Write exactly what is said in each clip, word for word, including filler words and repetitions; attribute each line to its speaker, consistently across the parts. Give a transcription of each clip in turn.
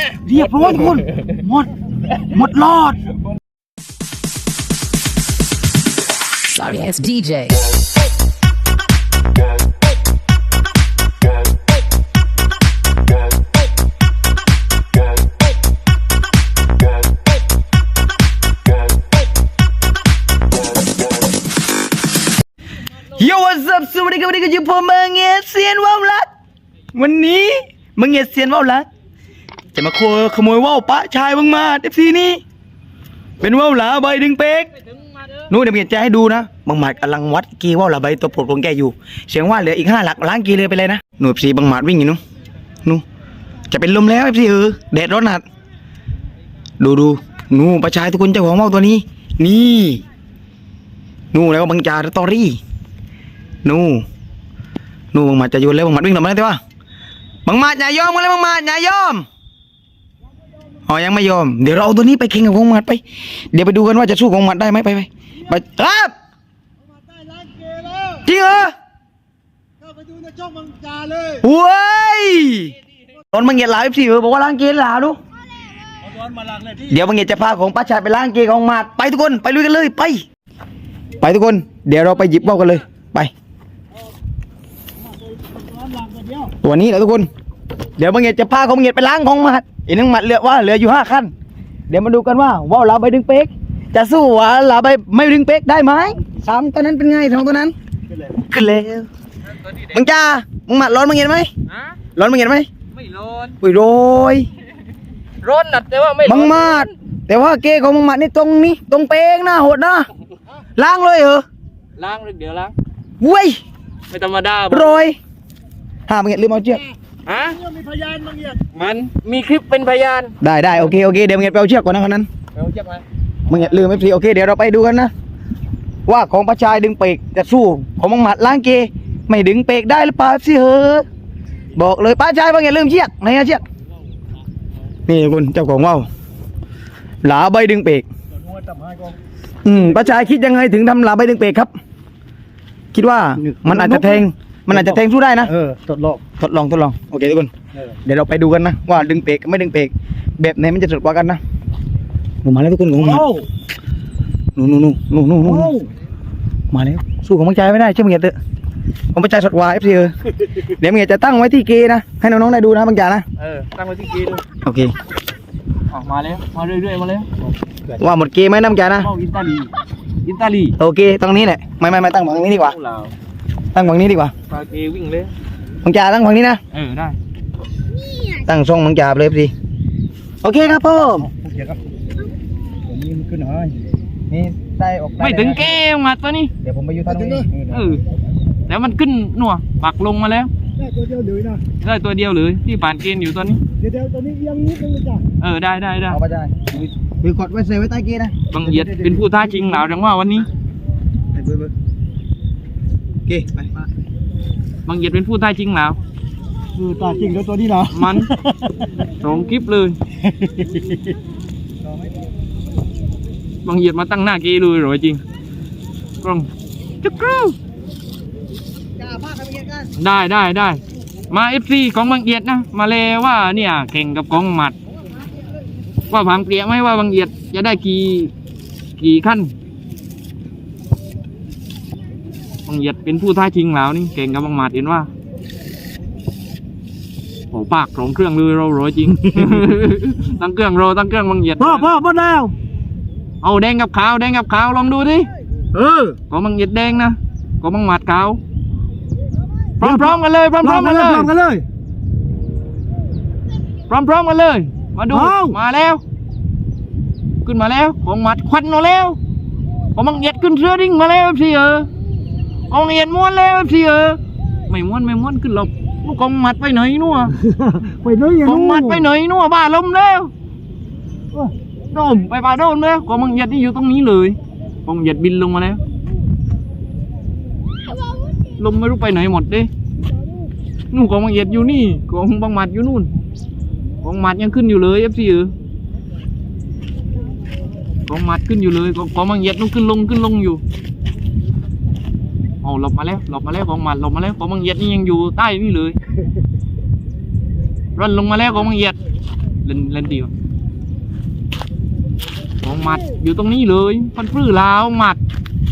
Speaker 1: เรียบร้อยทุกคนหมดหมดรอด
Speaker 2: Sorry ass ดี เจ
Speaker 1: Yo what's up สวัสดีครับวันนี้ก็อยู่ผมมังเงียเซียนว่าวลักวันนี้มังเงียเซียนว่าวลักจะมาขโมยว่าวปะชายบังมาเอฟซีนี่เป็นว่าวหลาใบดึงเป๊กนู้นเดี๋ยวเมียจะให้ดูนะบังหมัดกำลังวัดกีว่าวหลาใบตัวโปรดของแกอยู่เสียงว่าเหลืออีกห้าหลักล้านกีเลยไปเลยนะหนูเอฟซีบังหมัดวิ่งอยู่นู้นนู้นจะเป็นลมแล้วเอฟซีเออแดดร้อนหนักดูดูนู้นปะชายทุกคนเจ้าของว่าวตัวนี้นี่นู้นแล้วก็บังจ่าตอรี่นู่นู่บังหมัดจะโยนแล้วบังหมัดวิ่งหลบมาได้ไหมบังหมัดอย่ายอมกันเลยบังหมัดอย่ายอมอ๋อยังไม่ยอมเดี๋ยวเราเอาตัวนี้ไปแข่งกับบังหมัดไปเดี๋ยวไปดูกันว่าจะสู้บังหมัดได้ไหมไปไปไปครับจริงเหรอเข้าไปดูในช่องบังจ่าเลยโว้ยตอนบังเงียดหลาสิบอกว่าล้างเกลือหลาดูเดี๋ยวบังเงียดจะพาของป้าชายไปล้างเกลือของหมัดไปทุกคนไปลุยกันเลยไปไปทุกคนเดี๋ยวเราไปหยิบเบ้ากันเลยไปตัวนี้แหละทุกคนเดี๋ยวบังเงียดจะพาของบังเงียดไปล้างของหมัดอีกนึงหมัดเหลือว่าเหลืออยู่ห้าขั้นเดี๋ยวมาดูกันว่าว่าวลาใบดึงเป๊กจะสู้ว่าวลาใบไม่ดึงเป๊กได้ไหมสามตัวนั้นเป็นไงสองตัวนั้นขึ้นแล้วบังจ้าบังหมัดร้อนบังเงียดไหมร้อนบังเงียดไหมไม่ร้อนอุ้ยโรย
Speaker 3: ร้อนนะแต่ว่าไม่
Speaker 1: บังหมัดแต่ว่าเกของบังหมัดนี่ตรงนี้ตรงเป๊กนะโหดนะล้างเลยเหรอ
Speaker 3: ล้างเดี๋ยวล้าง
Speaker 1: เว้ย
Speaker 3: ไม่ธรรมดา
Speaker 1: โรยห้าบังเงียดลืมเอาเชือก
Speaker 3: ฮะมีพยานบังเงียดมันมีคลิปเป็นพยาน
Speaker 1: ได้ได้โอเคโอเคเดี๋ยวบังเงียดไปเอาเชือกก่อนนะคนนั้น
Speaker 3: ไปเอาเชือกมา
Speaker 1: บังเงียดลืมไม่พอโอเคเดี๋ยวเราไปดูกันนะว่าของประชายดึงเปกจะสู้ของบังหมัดล้างเกไม่ดึงเปกได้หรือเปล่าสิเฮ้อบอกเลยป้าชายบังเงียดลืมเชือกไหนอะเชือกนี่คุณเจ้าของว่าวหลาใบดึงเปกอืมป้าชายคิดยังไงถึงทำหลาใบดึงเปกครับคิดว่ามันอาจจะแทงมันอาจจะแทงสู้ได้นะ
Speaker 4: เออทดลอง
Speaker 1: ทดลองทดลองโอเคทุกคนเดี๋ยวเราไปดูกันนะว่าดึงเปกกับไม่ดึงเปกแบบไหนมันจะสุดกว่ากันนะหนูมาแล้วทุกคนหนูมาหนูหนูหนูหนูหนูหนูมาแล้วสู้ของมังใจไม่ได้เชื่อมึงอย่าเตอะของมังใจสดกว่าเอฟซีเออเดี๋ยวมึงจะตั้งไว้ที่เกนะให้น้องๆได้ดูนะมังใจนะ
Speaker 3: เออตั้งไว้ที่เกเลย
Speaker 1: โอเค
Speaker 3: ออกมาแล้วมาเรื่อยๆมาแล้ว
Speaker 1: ว่าหมดเกไหมน้ำใจนะ
Speaker 3: อินตาลีอินตาลี
Speaker 1: โอเคตรงนี้แหละไม่ไม่ไม่ตั้งฝั่งนี้ดีกว่าตั้งฝั่งนี้ดีกว่า
Speaker 3: ปาเกวิ่งเลย
Speaker 1: มังจ่าตั้งฝั่งนี้นะ
Speaker 3: เออได้
Speaker 1: ตั้งช่องมังจ่าเลยสิโอเคครับพ่อผมนี่มันขึ้นหน่อยนี่ได้ออก
Speaker 3: ไม่ถึงแก้วมาตัวนี้
Speaker 1: เดี๋ยวผมไปอยู่ทางนี้
Speaker 3: เออแล้วมันขึ้นหนัวปักลงมาแล้ว
Speaker 4: ได้ตัวเดียวเลยนะ
Speaker 3: ได้ตัวเดียวเลยที่ผ่านเกณฑ์อยู่ตอนนี้
Speaker 4: เดี๋ยวตัวนี้ยังนิดนึงเลยจ้ะ
Speaker 3: เออได้ได้ได้
Speaker 1: เอาไปได้คือกดไว้เซฟไว้ใต้เกนะ
Speaker 3: บังเอียดเป็นผู้ท้าชิงหนาวจังว่าวันนี้
Speaker 1: โอเคไป
Speaker 3: บังเอียดเป็นผู้ท้าชิงหนาว
Speaker 4: คือตาจริงแล้วตัวนี้เนาะ
Speaker 3: มันสองคลิปเลยบังเอียดมาตั้งหน้าเกเลยหรอจริงกล้องจุกรูได้ได้ได้มาเอฟซีของบังเอียดนะมาเลยว่าเนี่ยแข่งกับกองหมัดว่าผังเปลี่ยไหมว่าบังเอียดจะได้กี่กี่ขั้นบังเอียดเป็นผู้ท้าชิงแล้วนี่เก่งกับบังหมัดเห็นว่าโอ้ปากของเครื่องเลยเราร้อยจริง ตั้งเครื่องเราตั้งเครื่องบังเอียด
Speaker 4: พ่อพ่อหมดแล้ว
Speaker 3: เอาแดงกับขาวแดงกับขาวลองดูดิ
Speaker 4: เออ
Speaker 3: ของบังเอียดแดงนะของบังหมัดขาวพร้อมๆกันเลยพร้อมๆกันเลย
Speaker 4: พร้อมกันเลย
Speaker 3: พร้อมๆกันเลยมาดูมาแล้วขึ้นมาแล้วของหมัดควันมาแล้วของบังเอียดขึ้นเสื้อดิ้งมาแล้วสิเออของบังเอียดม้วนแล้วสิเออไม่ม้วนไม่ม้วนขึ้นหลบลูกของหมัดไปไหนนัว
Speaker 4: ไปไหน
Speaker 3: ของหมัดไปไหนนัวบ้าลมแล้วโดมไปป่าโดนแล้วของบังเอียดนี่อยู่ตรงนี้เลยของบังเอียดบินลงมาแล้วลมไม่รู้ไปไหนหมดดินู่นของบังเอียดอยู่นี่ของบังหมัดอยู่นู่นของหมัดยังขึ้นอยู่เลยเอฟซีเออของหมัดขึ้นอยู่เลยของบังเอียดนู่นขึ้นลงขึ้นลงอยู่เอาหลบมาแล้วหลบมาแล้วของหมัดหลบมาแล้วของบังเอียดนี่ยังอยู่ใต้นี่เลยร่นลงมาแล้วของบังเอียดเล่นเล่นดีวะของหมัดอยู่ตรงนี้เลยพันฟื้อลาวหมัด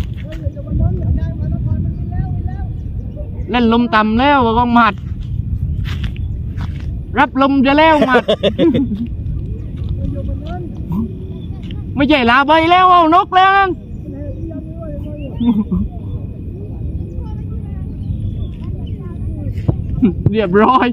Speaker 3: เล่นลมต่ำแล้วก็หมัดรับลมจะแล้วหมัด ไม่ใช่ลาใบแล้วเอานกแล้วนั่น เรียบร้อย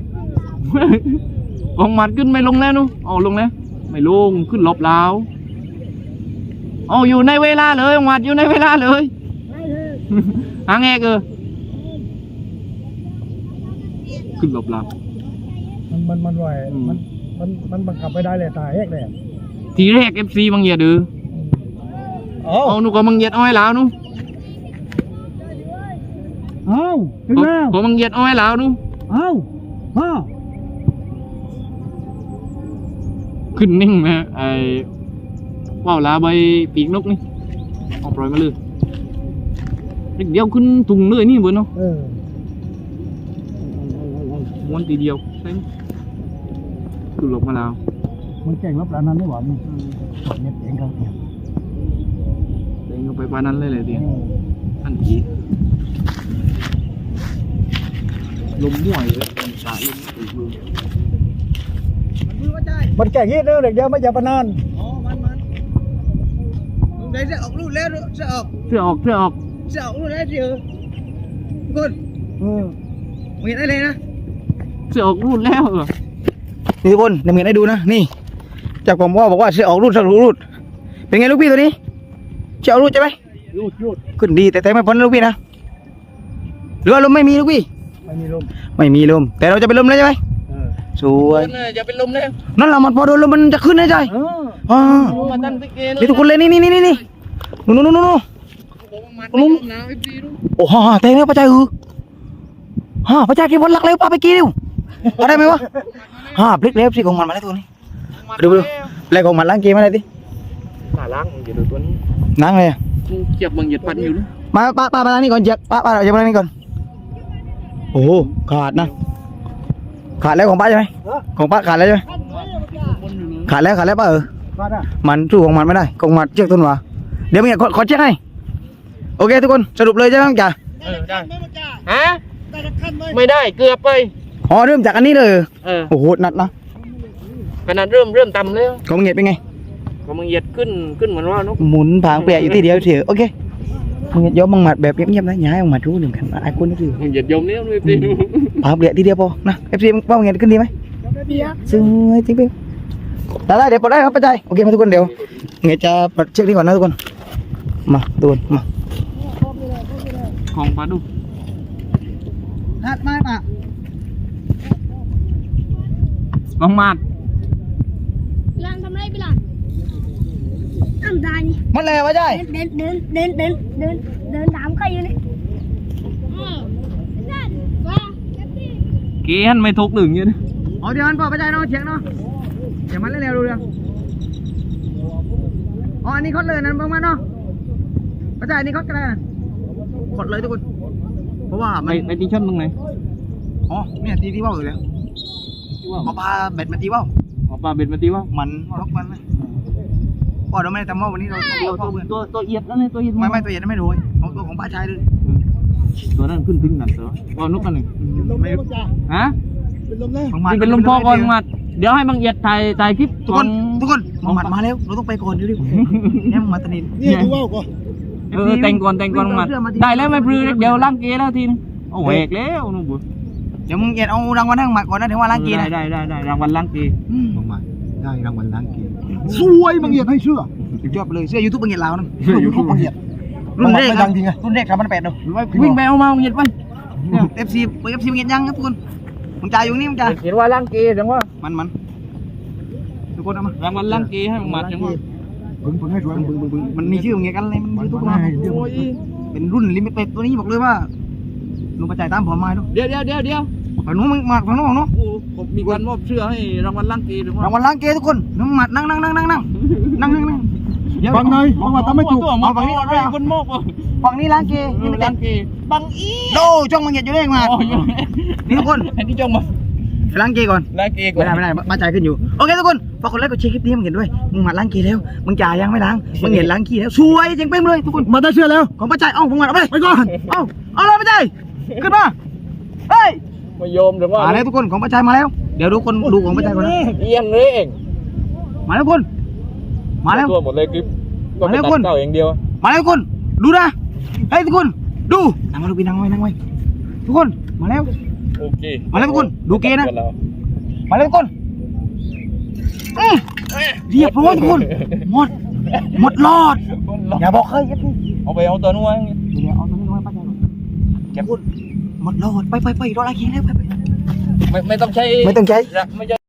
Speaker 3: ของหมัดขึ้นไม่ลงแล้วนู้เอาลงแล้วไม่ลงขึ้นลบแล้วเอาอยู่ในเวลาเลยของหมัดอยู่ในเวลาเลย หางแงกเออขึ้นลบแล้ว
Speaker 4: มันมันมันไหว
Speaker 3: อืม
Speaker 4: มันมันมันบังคับไม่ได้เลยตายแยกเลย
Speaker 3: ทีแรกเอฟซีบางเหยียดดื้อ
Speaker 4: เอ้า
Speaker 3: เอาหนูก็บางเหยียดอ้อยแล้วนู้
Speaker 4: เอ้าถึงแล้ว
Speaker 3: ผมบางเหยียดอ้อยแล้วนู้
Speaker 4: เอ้าพ่อ
Speaker 3: ขึ้นนิ่งไหมไอ้ว่าวลาใบปีกนกนี่เอาปล่อยมาเลยเด็กเดียวขึ้นถุงเลยนี่เบอร์เนาะ
Speaker 4: เออ
Speaker 3: ม้วนทีเดียวใช่ไหมขึ้นลบมาแล้ว
Speaker 4: มันแก่งรับร้านนั้นไม่หวานนี่เนี่ยเองครับเนี่ย
Speaker 3: เดินเข้าไปปานนั้นเลยเลยเดียวอันทีลมม่วยเลยสายลมตีมือ
Speaker 4: มันแก่งยี่เด้อเด็กเดียวไม่อย่าปนาน
Speaker 1: อ๋อมันมันมึงได้จะออกลูกแล้วจะออก
Speaker 3: เสื้อออกเสื้อออก
Speaker 1: จะออกลูกแล้วเชียวกุน
Speaker 4: เออ
Speaker 1: มึงเห็นได้เลยนะ
Speaker 3: เสื้อออกรูดแล้วเออ
Speaker 1: นี่ทุกคนเดี๋ยวมึงเห็นได้ดูนะนี่จากผมว่าบอกว่าจะออกรูดจะออกรูดเป็นไงลูกพี่ตัวนี้จะออกรูดใช่ไหม
Speaker 4: รูดรูด
Speaker 1: ขึ้นดีแต่แต่ไม่พ้นลูกพี่นะหรือว่าลมไม่มีลูกพี่
Speaker 4: ไม่มีลม
Speaker 1: ไม่มีลมแต่เราจะเป็นลมแล้วใช่ไหม
Speaker 4: เออ
Speaker 1: สวย
Speaker 3: จะเป็นลมแล้ว
Speaker 1: นั่นแหละมันพอโดนลมมันจะขึ้นได้ใจ
Speaker 4: เออ
Speaker 1: อ่า
Speaker 3: มาตั้งติ๊กเกเลย
Speaker 1: นี่ทุกคนเลยนี่นี่นี่นี่นู่นนู่นนู่นนู่น
Speaker 3: ลุงนะไอ้ปีลุง
Speaker 1: โอ้ฮ่าแต่เนี่ยพระเจ้าอือฮ่าพระเจ้ากินบอลลักเร็วป้าไปกินเร็วเอาได้ไหมวะฮ่าพลิกเล็บสิของมันมาแล้วตัวนี้ดูดูแรงของมันล้างเกมอะไรดิ
Speaker 3: ตาล้างอย่าดูตัวนี้
Speaker 1: ล้างเลยอะ
Speaker 3: เจ็บบางเหยียดปันอยู่นะ
Speaker 1: มาป้าป้ามาล้างนี่ก่อนเจ็บป้าป้าเราจะมาล้างนี่ก่อนโอ้โหขาดนะขาดแล้วของป้าใช่ไหมของป้าขาดแล้วใช่ไหมขาดแล้วขาดแล้วป้าเออ
Speaker 4: มาได้
Speaker 1: มันสู้ของมันไม่ได้ของมันเชือกต้นหัวเดี๋ยวมึงขอขอเช็คให้โอเคทุกคนสรุปเลยใช่ไหมจ่า
Speaker 3: เออได้ฮะไม่ได้เกือบไป
Speaker 1: อ๋อเริ่มจากอันนี้เลย
Speaker 3: เออ
Speaker 1: โอ้โหหนักนะ
Speaker 3: ขนาดเริ่มเริ่มต่ำแล้ว
Speaker 1: ของมึงเหงียดเป็นไง
Speaker 3: ก็มึงเหยียดขึ้นขึ้นเหมือนว่านก
Speaker 1: หมุนผางเปียอยู่ที่เดียวเฉยโอเคมึงเหงียดย้อมบังหมัดแบบเงียบๆนะอย่าให้บังหมัดรู้หนึ่งกันไอ้คนนี่คือ
Speaker 3: มึงเหยียดยมเนี้ยด้วยปีลุง
Speaker 1: ผางเปียที่เดียวพอนะเอฟซีว่ามึงเหงียดขึ้นดีไหมซึ่งจริงๆได้ได้เดี๋ยวปลดได้ครับป้าใจโอเคมาทุกคนเดี๋ยวเหงียดจะปลดเชือกนี้ก่อนนะทุกคนมาทุกคนมา
Speaker 3: ของปลาดุ
Speaker 1: หัดไม้ปะ
Speaker 3: บางมาด
Speaker 5: หลังทำไรไปหลังทำได้นี่
Speaker 1: มันแล้วป้าใจ
Speaker 5: เดินเดินเดินเดินเดินเดินตามใครอยู่นี่เออนั่นว่า
Speaker 3: เกนไม่ทุกหนึ่งอยู่นะ
Speaker 1: อ๋อเดี๋ยวมันปอป้าใจเนาะเฉียงเนาะเดี๋ยวมันเร็วๆดูเรื่องอ๋ออันนี้คดเลยนั่นบ้างมันเนาะป้าใจอันนี้คดกันเลยคดเลยทุกคนเพราะว่า
Speaker 3: ไป
Speaker 1: มัน
Speaker 3: ไปตีชั่นตรงไหน
Speaker 1: อ๋อเนี่ยตีที่ว่าวอยู่แล้วเอาปลาเบ็ดมาตีว่าว
Speaker 3: เอาปลาเบ็ดมาตีว่า
Speaker 1: มันรกมันเลยพอเราไม่ได้ทำว่าววันนี้เราตี
Speaker 3: ตัว
Speaker 1: ว่าวเพื่อน
Speaker 3: ตัวตัวเอียดแล้วเนี่ยตัวเอียด
Speaker 1: ไม่ไม่ตัวใหญ่ไม่รู้เอาตัวของป้าชายเลย
Speaker 3: ตัวนั้นขึ้นถึงหนักตัวเอานกกันหนึ่ง
Speaker 1: ไม่รู้
Speaker 3: ฮะ
Speaker 4: เป็นลมแล้ว
Speaker 1: ของมัน
Speaker 3: นี่เป็นลมพอก่อนมาเดี๋ยวให้บางเอียดถ่ายถ่ายคลิป
Speaker 1: ทุกคนทุกคนของมันมาแล้วเราต้องไปก่อนดิเนี่ยมันมาตะนิน
Speaker 4: นี่ดูว่าวก่อน
Speaker 3: เออแต่งก่อนแต่งก่อนมาได้แล้วไม่พลือเดี๋ยวล้างเกแล้วทีนึงโอ้แหวกแล้วนู่นบุ
Speaker 1: เดี๋ยวมึงเอ็ดเอารางวัลให้มาก่อนนะถึงว่าล้างกีนะ
Speaker 3: ได้ได้ได้รางวัลล้างเก
Speaker 4: บางมาได้รางวัลล้างเกมสวยบางเหยียดให้เชื่อ
Speaker 1: สุดยอดเลยเสื้อยูทูบบางเอ็ดลาวนั่น
Speaker 4: ยูทูบบางเหยียด
Speaker 1: รุ่นแรก
Speaker 4: มันดังจริงไง
Speaker 1: รุ่นแรกครับมันแปดเนาะ
Speaker 3: วิ่งไปเอามาเอียดไป
Speaker 1: เอฟซีเอฟซีบางเอ็ดยังครับทุกคนมึงจ่ายอยู่นี่มึงจ่าย
Speaker 3: เห็นว่าล้างเกจังว่า
Speaker 1: มันมันทุกคนเอามาร
Speaker 3: างวัลล้างเกให้บางมาจังว่า
Speaker 4: บึ้งบึ้งให้สวยบึ้งบึ้งบึ้ง
Speaker 1: มันมีชื่อมึงไงกันเลยมันยูทูบ
Speaker 4: มัน
Speaker 1: มา
Speaker 4: ให้เดี๋ยว
Speaker 3: โอ้ย
Speaker 1: เป็นรุ่นลิมิเต็ดตัวนี้บอกเลยว่าลุงประจ่ายตามผมมาด้วย
Speaker 3: เดี๋ยวเดี๋ยวเดี๋ยวเดี๋ยว
Speaker 1: ฝั่งนู้นมึงมาฝั่งนู้นฝั่งนู้น
Speaker 3: โอ้ผมมีการมอบเสื้อให้รางวัลล้างเกหรือว่าร
Speaker 1: างวัลล้างเกทุกคนน้ำหมัดนั่งนั่งนั่งนั่งนั่งนั่งนั่งนั่งเดี๋ยว
Speaker 4: บางหน่อยบางมาทำไม่ถูก
Speaker 3: เอาฝั่งนี้ก่อนด้วยคนมอบอ่ะ
Speaker 1: ฝั่งนี้ล้างเกนี่ไม่
Speaker 3: ล้า
Speaker 1: เต็
Speaker 3: ง
Speaker 1: ด
Speaker 3: เกบางอี
Speaker 1: โดช่องมึงเหยียดอยู่ได้มา
Speaker 3: โอ้ย
Speaker 1: นี่ทุกคน
Speaker 3: อันนี้จงมา
Speaker 1: ไปล้างเกย์ก่อน
Speaker 3: ล้างเกย์ก่อ
Speaker 1: ไม่
Speaker 3: น
Speaker 1: ได้ไม่ได้บ้านจ่ายขึ้นอยู่โอเคทุกคนฝากกดไลค์กดแชร์คลิปนี้มึงเห็นด้วยมึงมาล้างเกย์แล้วมึงจ่ายยังไม่ล้างมึงเห็นล้างเกย์แล้วสวยเจ๋งเป้งเลยทุกคน
Speaker 4: มาได้เชื่อแล้ว
Speaker 1: ของป้าจ่ายเอ้าผมมาเอาไป
Speaker 4: ไปก่อน
Speaker 1: เอ้าเอาเลยป้าจ่ายขึ้นมาเฮ้ย
Speaker 3: มาโยมหรือว่า
Speaker 1: มาแล้วทุกคนของป้าจ่ายมาแล้วเดี๋ยวดูคนดูของป้าจ่ายก่อนนะ
Speaker 3: เอียงเลยเอง
Speaker 1: มาแล้วทุกคนมาแล้ว
Speaker 3: ตัวหมดเลยคลิปก็
Speaker 1: มาแล้ว
Speaker 3: ตัด
Speaker 1: คุณ
Speaker 3: เก้าอย่างเดียว
Speaker 1: มาแล้วทุกคนดูนะเฮ้ยทุกคนดูนั่งมาดูพี่นั่งไว้นั่งไว้ทุกคนมาแล้ว
Speaker 3: โอเค
Speaker 1: มาแล้วทุกคนดูเกย์นะ
Speaker 3: ตัวรา
Speaker 1: มาแล้วทุกคนอืมเรียบร้อยทุกคนหมดหมดรอดอย่าบอกใครยัดนี่
Speaker 3: เอาไปเอาตัวนู้น
Speaker 1: เดี๋ยวเอาตัวนี้ไว้ป้าจ่ายก่อนแกพูดหมดรอดไปไปไปรออะไรกินแล้วไปไป
Speaker 3: ไม่ไม่ต้องใช้
Speaker 1: ไม่ต้องใช้
Speaker 3: ไม่ใช่